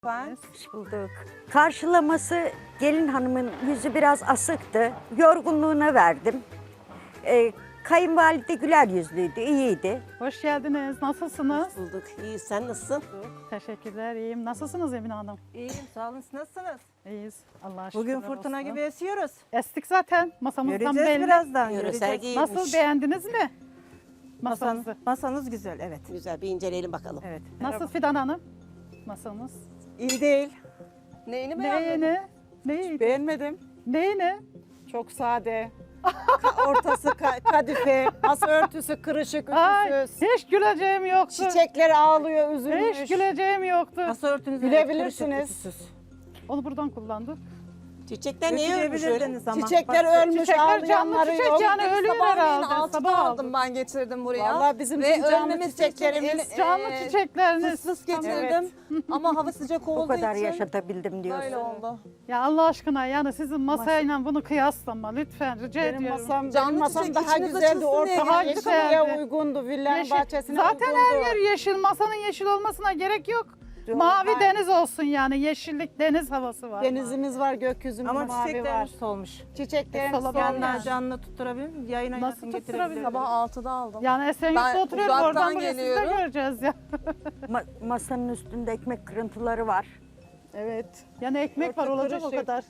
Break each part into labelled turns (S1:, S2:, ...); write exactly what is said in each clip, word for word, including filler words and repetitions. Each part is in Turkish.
S1: Ben
S2: Hoş bulduk. Karşılaması gelin hanımın yüzü biraz asıktı. Yorgunluğuna verdim. Ee, kayınvalide güler yüzlüydü, iyiydi.
S3: Hoş geldiniz. Nasılsınız?
S4: Bulduk. İyi, sen nasılsın?
S3: Teşekkürler. İyiyim. Nasılsınız Emine Hanım?
S1: iyiyim, sağ olun. Siz nasılsınız?
S3: İyiyiz. Allah'a şükür.
S1: Bugün fırtına gibi esiyoruz.
S3: Estik zaten. Masamızdan
S1: Göreceğiz
S3: belli.
S1: birazdan.
S4: Yöresel
S1: Göreceğiz.
S4: giyinmiş.
S3: Nasıl, beğendiniz mi?
S1: Masanız,
S3: Masamızı.
S1: masanız güzel, evet.
S4: Güzel, bir inceleyelim bakalım.
S1: Evet.
S3: Nasıl Fidan Hanım? Masamız.
S5: İyi değil.
S1: Neyini beğenmedin?
S3: Neyini? Neyini?
S5: Beğenmedim.
S3: Neyini?
S5: Çok sade. Ka- ortası ka- kadife, masa örtüsü kırışık,
S3: Ay,
S5: ütüsüz.
S3: hiç güleceğim yoktu.
S5: Çiçekler ağlıyor, üzülmüş.
S3: Hiç güleceğim yoktu.
S1: Masa örtünüzü
S5: Gülebilirsiniz.
S3: Onu buradan kullandık.
S4: Çiçekler neye ölmüş öyle?
S1: Götürebilirdiniz ama.
S5: Çiçekler
S1: Bak,
S5: ölmüş,
S3: Çiçekler canlı
S5: ağlayanları
S3: çiçek
S5: yok.
S3: yani ölüyor
S6: Sabahleyin
S3: herhalde.
S6: altıda
S3: Sabah
S6: aldım
S3: aldım.
S6: ben getirdim buraya.
S5: Vallahi bizim
S6: Ve
S5: tüm canlı
S6: ölmemesi
S5: çiçeklerimiz
S6: için
S3: Canlı
S6: e,
S3: çiçekleriniz.
S6: Fıs fıs getirdim. Ama hava sıcak olduğu
S2: O kadar
S6: için
S2: yaşatabildim diyorsun.
S6: böyle oldu.
S3: Ya Allah aşkına yani sizin masayla bunu kıyaslama lütfen rica
S5: Benim
S3: ediyorum.
S5: masam,
S6: Canlı
S5: benim masam
S6: çiçek
S5: daha
S6: içiniz
S5: güzeldi.
S6: açılsın diye
S5: Ortama
S3: Daha
S5: yeşilliğe
S3: güzeldi.
S5: uygundu. Villanın
S3: Yeşil-
S5: bahçesine
S3: Zaten
S5: uygundu.
S3: her yer yeşil. Masanın yeşil olmasına gerek yok. Mavi
S5: hayır.
S3: deniz olsun yani. Yeşillik deniz havası var.
S5: Denizimiz var, gökyüzümüz
S1: Ama
S5: mavi var.
S1: çiçeklerimiz solmuş.
S5: Çiçeklerimiz
S3: Solabilir
S5: solmuş.
S3: yani.
S1: Yanına canlı tutturabilir miyim? Yayına
S3: Nasıl
S1: yakın
S3: tutturabilirim?
S1: getirebilirim.
S6: Sabah altıda aldım.
S3: Yani Esenyurt'ta
S6: Ben
S3: oturuyoruz.
S6: uzaktan
S3: Oradan buraya siz de
S6: geliyorum.
S3: göreceğiz ya.
S2: Ma- masanın üstünde ekmek kırıntıları var.
S5: Evet.
S3: Yani ekmek var
S5: Örtü
S3: olacak o
S5: kırışık.
S3: kadar.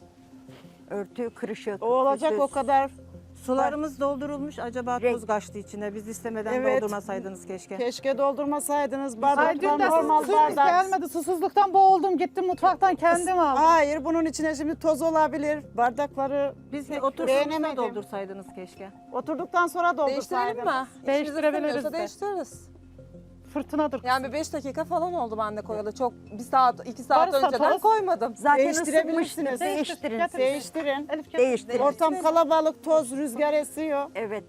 S2: Örtü kırışık.
S5: O olacak
S2: ütüsüz.
S5: o kadar.
S1: Sularımız doldurulmuş. Acaba
S2: Renk.
S1: tuz kaçtı içine. Biz istemeden
S5: Evet.
S1: doldurmasaydınız keşke.
S5: Keşke doldurmasaydınız.
S3: Ay
S5: Bardaklar
S3: dün de
S5: normal
S3: susuzluk
S5: bardak.
S3: gelmedi. Susuzluktan boğuldum. Gittim mutfaktan kendim aldım.
S5: Hayır, bunun içine şimdi toz olabilir. Bardakları
S1: Biz
S5: pek
S1: oturduğumuzda
S5: beğenemedim.
S1: doldursaydınız keşke.
S5: Oturduktan sonra
S6: Değiştirelim
S5: doldursaydınız.
S6: mi? İçiniz
S3: Değiştirebiliriz
S6: istemiyorsa
S3: de.
S6: değiştiririz.
S3: Fırtınadır.
S6: Yani bir beş dakika falan oldu bende koyalı. Çok bir saat, iki saat
S3: Varsa
S6: önceden
S3: toz.
S6: koymadım.
S2: Zaten
S5: Değiştirebilirsiniz.
S2: ısınmıştır. Değiştirin.
S3: Getir.
S5: Değiştirin.
S3: Elif gel.
S2: Değiştirin.
S5: Ortam kalabalık, toz, rüzgar esiyor.
S2: Evet.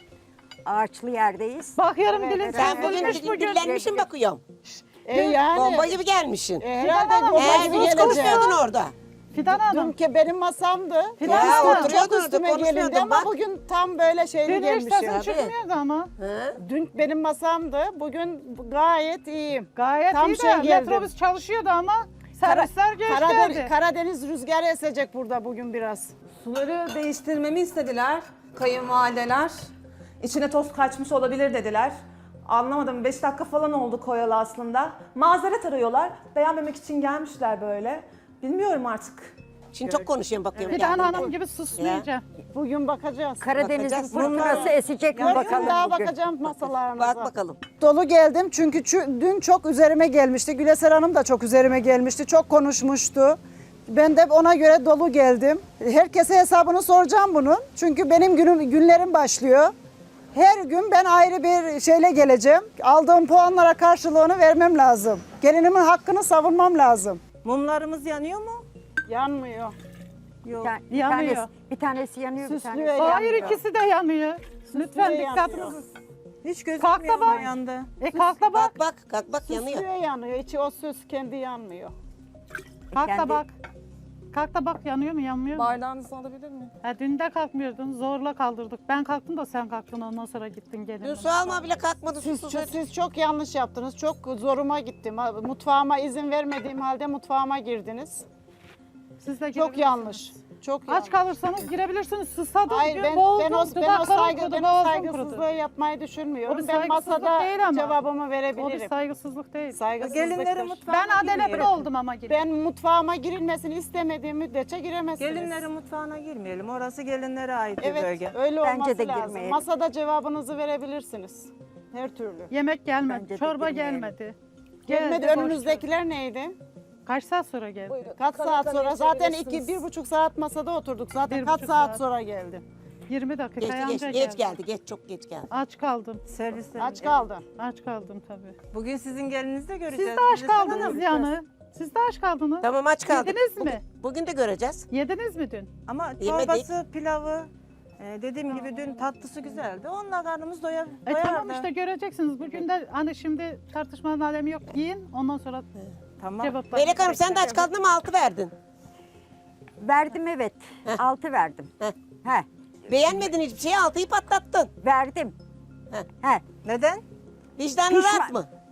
S2: Ağaçlı yerdeyiz.
S3: Bakıyorum
S5: Evet,
S3: dilin
S5: evet.
S4: Sen
S3: sürtülmüş
S4: bugün
S3: bugün.
S4: dillenmişsin bakıyorum.
S5: E yani.
S4: Bomba gibi gelmişsin.
S5: E, herhalde
S3: Hanım,
S5: bomba
S4: Eğer
S5: gibi
S4: biz
S5: gelecek.
S4: konuşmuyordun orada.
S3: Fidan Hanım.
S5: Dünkü benim masamdı.
S3: Fidan
S5: Ya,
S3: Hanım.
S5: oturuyordun
S4: Oturuyordun,
S5: üstüme
S4: konuşmuyordun
S5: gelindi ama
S4: bak.
S5: bugün tam böyle şeyli
S3: Dün hiç
S5: gelmişim.
S3: sesin çıkmıyordu ama.
S4: Hı?
S5: Dün benim masamdı. Bugün gayet iyiyim.
S3: Gayet
S5: Tam
S3: iyi
S5: şey
S3: de
S5: geldi.
S3: metrobüs çalışıyordu ama servisler geç
S5: Karadeniz,
S3: geldi.
S5: Karadeniz rüzgarı esecek burada bugün biraz.
S6: Suları değiştirmemi istediler kayınvalideler. İçine toz kaçmış olabilir dediler. Anlamadım. beş dakika falan oldu koyalı aslında. Mazeret arıyorlar. Beğenmemek için gelmişler böyle. Bilmiyorum artık.
S4: Şimdi çok konuşuyorum bakıyorum.
S3: Fidan
S4: kendimden.
S3: Hanım gibi susmayacağım.
S5: Bugün bakacağız.
S2: Karadeniz'in
S4: Bakacağız.
S2: fırtınası esecek mi
S5: Yarın
S2: bakalım
S5: daha
S2: bugün.
S5: bakacağım masalarınıza.
S4: Bak bakalım.
S5: Dolu geldim çünkü çü- dün çok üzerime gelmişti. Güleser Hanım da çok üzerime gelmişti. Çok konuşmuştu. Ben de ona göre dolu geldim. Herkese hesabını soracağım bunun. Çünkü benim günüm günlerim başlıyor. Her gün ben ayrı bir şeyle geleceğim. Aldığım puanlara karşılığını vermem lazım. Gelinimin hakkını savunmam lazım.
S1: Mumlarımız yanıyor mu?
S5: Yanmıyor.
S1: Yok.
S2: Bir, bir
S3: Yanıyor.
S2: tanesi, bir tanesi yanıyor, bir
S5: Süslüyor
S2: tanesi
S5: ya.
S3: Hayır
S2: yanmıyor.
S3: ikisi de yanıyor. Lütfen
S5: yanıyor.
S3: dikkatinizi.
S1: Hiç
S3: Kalk da
S1: gözükmüyor
S3: bak.
S1: mu yandı?
S3: E kalk da bak.
S4: Bak bak kalk bak yanıyor.
S5: Süslüyor yanıyor. İçi o süs kendi yanmıyor.
S3: Kalk da
S2: Kendi-
S3: bak. Kalk da bak yanıyor mu yanmıyor mu?
S6: Bardağınızı alabilir miyim?
S3: Ha, dün de kalkmıyordun zorla kaldırdık. Ben kalktım da sen kalktın ondan sonra gittin gelin.
S4: Dün su alma bile kalkmadı.
S5: Siz,
S4: susuz.
S5: siz çok yanlış yaptınız. Çok zoruma gittim. Mutfağıma izin vermediğim halde mutfağıma girdiniz.
S3: Siz de
S5: Çok
S3: girebilirsiniz.
S5: yanlış. Çok yanlış.
S3: Aç kalırsanız girebilirsiniz. Susadım
S5: Hayır
S3: bugün
S5: ben,
S3: boğuldum.
S5: ben o, ben o,
S3: dudaklarım
S5: saygı,
S3: kurudu,
S5: ben o
S3: boğazım
S5: saygısızlığı
S3: kurudu.
S5: yapmayı
S3: O
S5: düşünmüyorum.
S3: bir
S5: Ben
S3: saygısızlık
S5: masada
S3: değil ama.
S5: cevabımı
S3: O bir
S5: verebilirim.
S3: saygısızlık değil.
S5: Saygısızlıktır.
S1: Gelinleri mutfağına
S3: Ben adeletli
S1: girmeyelim.
S3: oldum ama gelin.
S5: Ben mutfağıma girilmesini istemediğim müddetçe giremezsiniz.
S1: Gelinlerin mutfağına girmeyelim. Orası gelinlere ait bir
S5: Evet
S1: bölge.
S5: öyle
S2: Bence
S5: olması
S2: de
S5: lazım.
S2: girmeyelim.
S5: Masada cevabınızı verebilirsiniz. Her türlü.
S3: Yemek gelmedi,
S2: Bence de
S3: çorba
S2: girmeyelim.
S3: gelmedi.
S5: Gelmedi
S3: Geldi, boş
S5: önünüzdekiler neydi?
S3: ver. Kaç saat sonra geldi?
S6: Buyurun.
S5: Kaç saat
S6: Kanattan
S5: sonra? Zaten iki,
S6: geçebilirsiniz.
S5: bir buçuk saat masada oturduk. Zaten
S3: Bir
S5: kaç
S3: buçuk
S5: saat,
S3: saat.
S5: sonra geldi?
S3: yirmi dakika
S4: Geç,
S3: anca
S4: geç,
S3: geldi.
S4: geç geldi. Geç çok geç geldi.
S3: Aç kaldım.
S1: Servislerin.
S5: Aç kaldı.
S3: Aç kaldım tabii.
S1: Bugün sizin gelinizi de
S3: Siz
S1: göreceğiz.
S3: de aç
S1: Biz de sana
S3: kaldınız
S1: göreceğiz.
S3: yani. Siz de aç kaldınız.
S4: Tamam aç kaldık.
S3: Yediniz
S4: Bugün,
S3: mi?
S4: bugün de göreceğiz.
S3: Yediniz mi dün?
S1: Ama
S4: Yemedik.
S1: çorbası, pilavı, e, dediğim gibi dün tatlısı güzeldi. Onunla karnımız doyar,
S3: E
S1: doyardı.
S3: tamam işte göreceksiniz. Bugün de hani şimdi tartışmanın alemi yok. Yiyin ondan sonra
S1: Tamam.
S3: cevaplar.
S4: Melek Hanım sen de aç kaldın ama altı verdin.
S2: Verdim evet. Altı verdim.
S4: Heh.
S2: He.
S4: Beğenmedin hiçbir şeyi altıyı patlattın.
S2: Verdim.
S4: Heh.
S2: He.
S1: Neden?
S4: Vicdanın
S2: Pişman-
S4: rahat mı?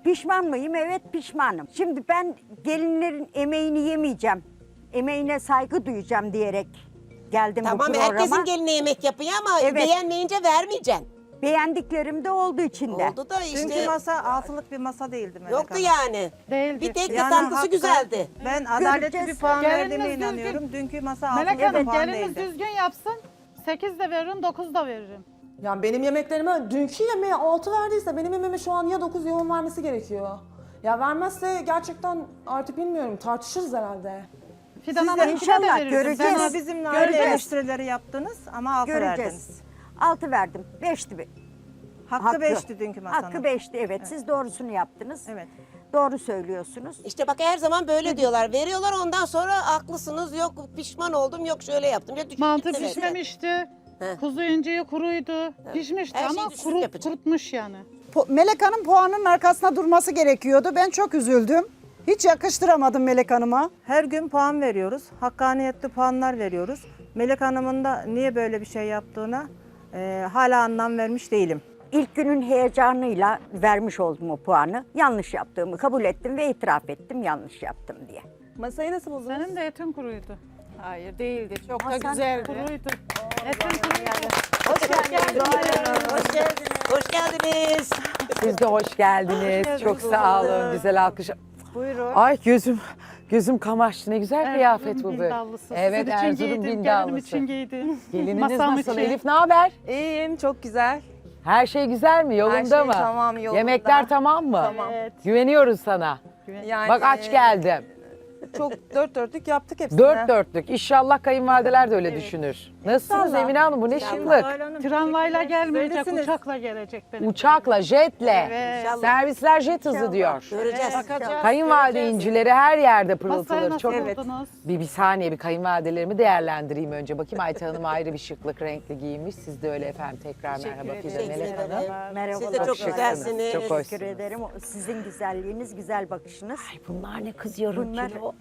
S2: Pişman mıyım? Evet pişmanım. Şimdi ben gelinlerin emeğini yemeyeceğim. Emeğine saygı duyacağım diyerek geldim bu
S4: Tamam
S2: programa.
S4: herkesin geline yemek yapıyor ama
S2: Evet.
S4: beğenmeyince vermeyeceksin.
S2: Beğendiklerim de oldu içinde.
S4: Oldu da işte
S1: Dünkü masa altılık bir masa değildi Melek
S4: yoktu
S1: Hanım.
S4: yani.
S3: Değildi.
S4: Bir tek de
S1: Yani
S4: tatlısı
S1: haklı.
S4: güzeldi.
S1: Ben adaletli
S2: Göreceğiz.
S1: bir puan
S3: Geliniz
S1: verdiğime
S3: düzgün-
S1: inanıyorum. Dünkü masa
S3: Melek
S1: altılık bir
S3: Hanım
S1: puan
S3: geliniz
S1: değildi.
S3: düzgün yapsın. sekiz de veririm, dokuz da veririm.
S6: Yani benim yemeklerime dünkü yemeğe altı verdiyse benim yemeğime şu an ya dokuz ya on vermesi gerekiyor. Ya vermezse gerçekten artık bilmiyorum tartışırız herhalde.
S3: Fidan
S1: Siz de
S3: Hanım'ınkine de
S2: inşallah
S3: verirdim.
S2: göreceğiz.
S3: Ben
S1: Ama
S3: o-
S1: bizimle aynı
S2: Göreceğiz.
S1: eleştirileri yaptınız ama altı verdiniz.
S2: Göreceğiz. Altı verdim. Beşti. be-
S1: Hakkı beşti dünkü masanın.
S2: Hakkı beşti evet. Siz doğrusunu yaptınız.
S1: Evet.
S2: Doğru söylüyorsunuz.
S4: İşte bak her zaman böyle diyorlar. Veriyorlar ondan sonra haklısınız. Yok pişman oldum. Yok şöyle yaptım. Ya düşük
S3: Mantı
S4: gitti.
S3: pişmemişti.
S4: He.
S3: Kuzu inceği kuruydu. Pişmişti
S4: Her şeyi
S3: ama
S4: düşük
S3: kuru,
S4: yapacak.
S3: kurutmuş yani.
S5: Po- Melek Hanım puanın arkasında durması gerekiyordu. Ben çok üzüldüm. Hiç yakıştıramadım Melek Hanım'a.
S1: Her gün puan veriyoruz. Hakkaniyetli puanlar veriyoruz. Melek Hanım'ın da niye böyle bir şey yaptığına e, hala anlam vermiş değilim.
S2: İlk günün heyecanıyla vermiş oldum o puanı. Yanlış yaptığımı kabul ettim ve itiraf ettim yanlış yaptım diye.
S6: Masayı nasıl buldunuz?
S3: Senin de etin kuruydu.
S7: Hayır değildi. Çok da
S2: Hasan
S7: güzeldi.
S3: Kuruydu. Etin kuruydu.
S4: Hoş geldiniz. Hoş geldiniz. Hoş geldiniz.
S8: Siz de hoş geldiniz. Çok sağ olun. Güzel alkış.
S1: Buyurun.
S8: Ay gözüm gözüm kamaştı. Ne güzel kıyafet
S3: Erzurum
S8: bu.
S3: bindallısı.
S8: Evet
S3: Sizin için
S8: Erzurum
S3: giydim, gelinim
S8: bindallısı.
S3: için giydim.
S8: Gelininiz
S3: Masam
S8: nasıl?
S3: için.
S8: Elif ne haber?
S7: İyiyim, çok güzel.
S8: Her şey güzel mi? Yolunda
S7: şey
S8: mı?
S7: tamam, yolunda.
S8: Yemekler tamam mı?
S7: Tamam.
S3: Evet.
S8: Güveniyoruz sana.
S7: Yani
S8: Bak aç
S7: e,
S8: geldim.
S7: Çok dört dörtlük yaptık hepsini.
S8: Dört dörtlük. İnşallah kayınvalideler de öyle düşünür. Nasılsınız
S7: İnşallah.
S8: Emine Hanım? Bu ne şıklık?
S3: Tramvayla gelmeyecek,
S1: Söylesiniz.
S3: uçakla gelecek benim.
S8: Uçakla, jetle.
S3: Evet.
S8: Servisler jet hızı diyor.
S4: Göreceğiz.
S7: Bakacağız.
S8: Kayınvalide
S7: göreceğiz.
S8: incileri her yerde
S3: Masayı
S8: pırıltılır.
S3: nasıl
S8: Çok
S3: buldunuz?
S8: Bir, bir saniye bir kayınvalidelerimi değerlendireyim önce. Bakayım Ayten Hanım ayrı bir şıklık renkli giymiş. Siz de öyle efendim. Tekrar merhaba Fidan
S4: Teşekkür
S8: Melek Hanım.
S4: ederim.
S2: Merhabalar.
S4: Siz de çok
S8: şıksınız,
S4: güzelsiniz.
S8: çok hoş.
S2: Teşekkür ederim. O Sizin güzelliğiniz, güzel bakışınız.
S8: Ay bunlar ne kız yarım
S2: Bunlar-
S8: kilo.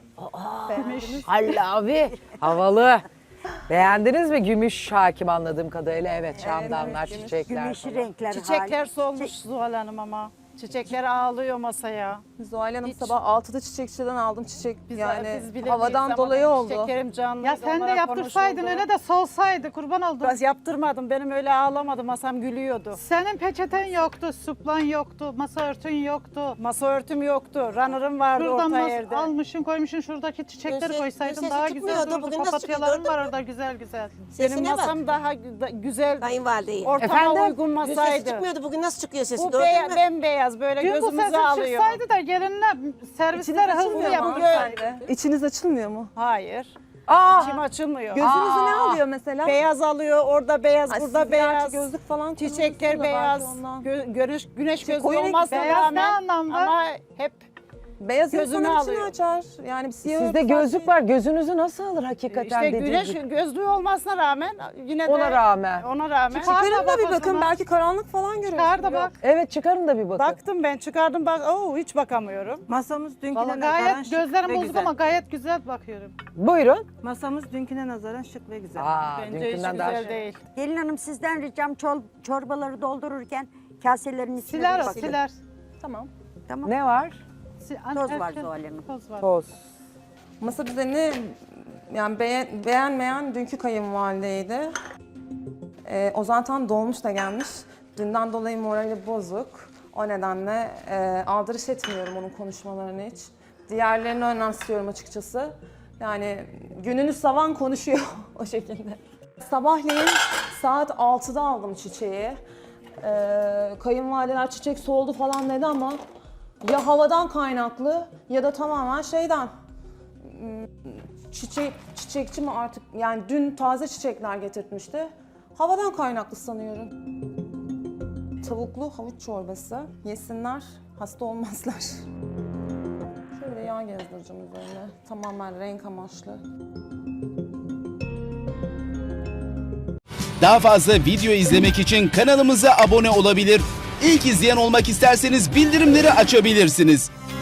S8: Halla abi. Havalı. Beğendiniz mi? Gümüş hakim anladığım kadarıyla. Evet şamdanlar, çiçekler
S2: Güneşi
S8: falan.
S2: renkler.
S7: Çiçekler
S2: harika.
S7: solmuş Zuhal Hanım ama. Çiçekler ağlıyor masaya.
S6: Zuhal Hanım
S7: Hiç-
S6: sabah altıda çiçekçiden aldım çiçek.
S7: Biz,
S6: yani
S7: biz bilemeyiz
S6: havadan
S7: ama
S6: dolayı oldu.
S7: Çiçeklerim canlı.
S3: Ya sen de yaptırsaydın öyle de solsaydı kurban oldum.
S7: Ben yaptırmadım. Benim öyle ağlamadı. Masam gülüyordu.
S3: Senin peçeten yoktu, suplan yoktu, masa örtün yoktu.
S7: Masa örtüm yoktu. Runner'ım vardı
S3: Şuradan
S7: orta
S3: mas-
S7: yerde.
S3: almışsın koymuşsun şuradaki çiçekleri
S4: Göze-
S3: koysaydın
S4: gözesi
S3: daha güzel
S4: çıkmıyordu.
S3: dururdu.
S4: Bugün nasıl çıkıyor,
S3: Papatyaların
S4: gördün
S3: var
S4: mü?
S3: orada güzel güzel.
S7: Benim
S4: Sesine
S7: masam
S4: bak.
S7: daha gü- güzel.
S4: Kayınvalideyi.
S7: Ortama
S8: Efendim?
S7: uygun
S4: Sesi
S7: masaydı.
S4: çıkmıyordu. Bugün nasıl çıkıyor sesi?
S7: Bu
S4: Gördün
S7: beya-
S4: mü?
S7: bembeyaz böyle
S3: Dün bu
S7: gözümüzü
S3: sesin
S7: alıyor.
S3: çıksaydı da gelinle servisler
S6: İçiniz
S3: hızlı
S6: açılmıyor mu?
S3: yapılsaydı.
S6: İçiniz açılmıyor mu?
S7: Hayır.
S8: Aa,
S7: İçim açılmıyor.
S6: Gözünüzü ne
S8: Aa.
S6: alıyor mesela?
S7: Beyaz alıyor, orada beyaz,
S6: Ay,
S7: burada
S6: siz gerçi
S7: beyaz.
S6: gözlük falan
S7: Çiçekler
S6: kullanıyorsunuz da
S7: beyaz.
S6: belki ondan.
S7: Gö- güneş güneş gözü
S6: koyu renk
S7: olmasına
S3: beyaz ne
S7: rağmen
S3: anlamda?
S7: ama hep
S6: Beyaz
S7: gözünü
S6: insanın içini
S7: alıyor.
S6: açar. Yani bir siyah
S8: sizde
S6: örtü
S8: gözlük
S6: falan
S8: var. Gözünüzü nasıl alır hakikaten
S7: işte
S8: dediğim
S7: güneş
S8: gibi.
S7: gözlüğü olmasına rağmen yine de
S8: Ona rağmen.
S7: ona rağmen
S3: Çıkar
S6: Çıkarın
S3: da
S6: da bir
S3: bak o
S6: bakın
S3: zaman.
S6: belki karanlık falan görürsünüz.
S3: Çıkar da bak.
S8: Evet çıkarın da bir bakın.
S7: baktım ben çıkardım bak oo hiç bakamıyorum.
S1: Masamız dünküne
S3: Vallahi
S1: nazaran
S3: gayet
S1: şık
S3: gözlerim
S1: ve
S3: bozuk
S1: güzel.
S3: ama gayet güzel bakıyorum.
S8: Buyurun.
S1: Masamız dünküne nazaran şık ve güzel.
S8: Aa,
S7: Bence hiç
S8: dünkünden daha
S7: güzel
S8: şey.
S7: değil.
S2: Gelin hanım sizden ricam çol- çorbaları doldururken kaselerin içine
S3: Siler
S2: bir
S3: o
S2: bakın.
S3: siler.
S6: Tamam.
S2: Tamam.
S8: Ne var?
S3: Si-
S2: Toz var
S3: erken-
S2: Zuhal Hanım.
S3: Toz var.
S8: Toz.
S6: Masa düzenini yani beğen, beğenmeyen dünkü kayınvalideydi. Ee, o zaten dolmuş da gelmiş. Dünden dolayı morali bozuk. O nedenle e, aldırış etmiyorum onun konuşmalarını hiç. Diğerlerini önemsiyorum açıkçası. Yani gününü savan konuşuyor o şekilde. Sabahleyin saat altıda aldım çiçeği. Ee, kayınvalideler çiçek soldu falan dedi ama ya havadan kaynaklı ya da tamamen şeyden. Çiçek, çiçekçi mi artık yani dün taze çiçekler getirtmişti. Havadan kaynaklı sanıyorum. Tavuklu havuç çorbası. Yesinler, hasta olmazlar. Şöyle yağ gezdireceğim üzerine. Tamamen renk amaçlı.
S9: Daha fazla video izlemek için kanalımıza abone olabilir. İlk izleyen olmak isterseniz bildirimleri açabilirsiniz.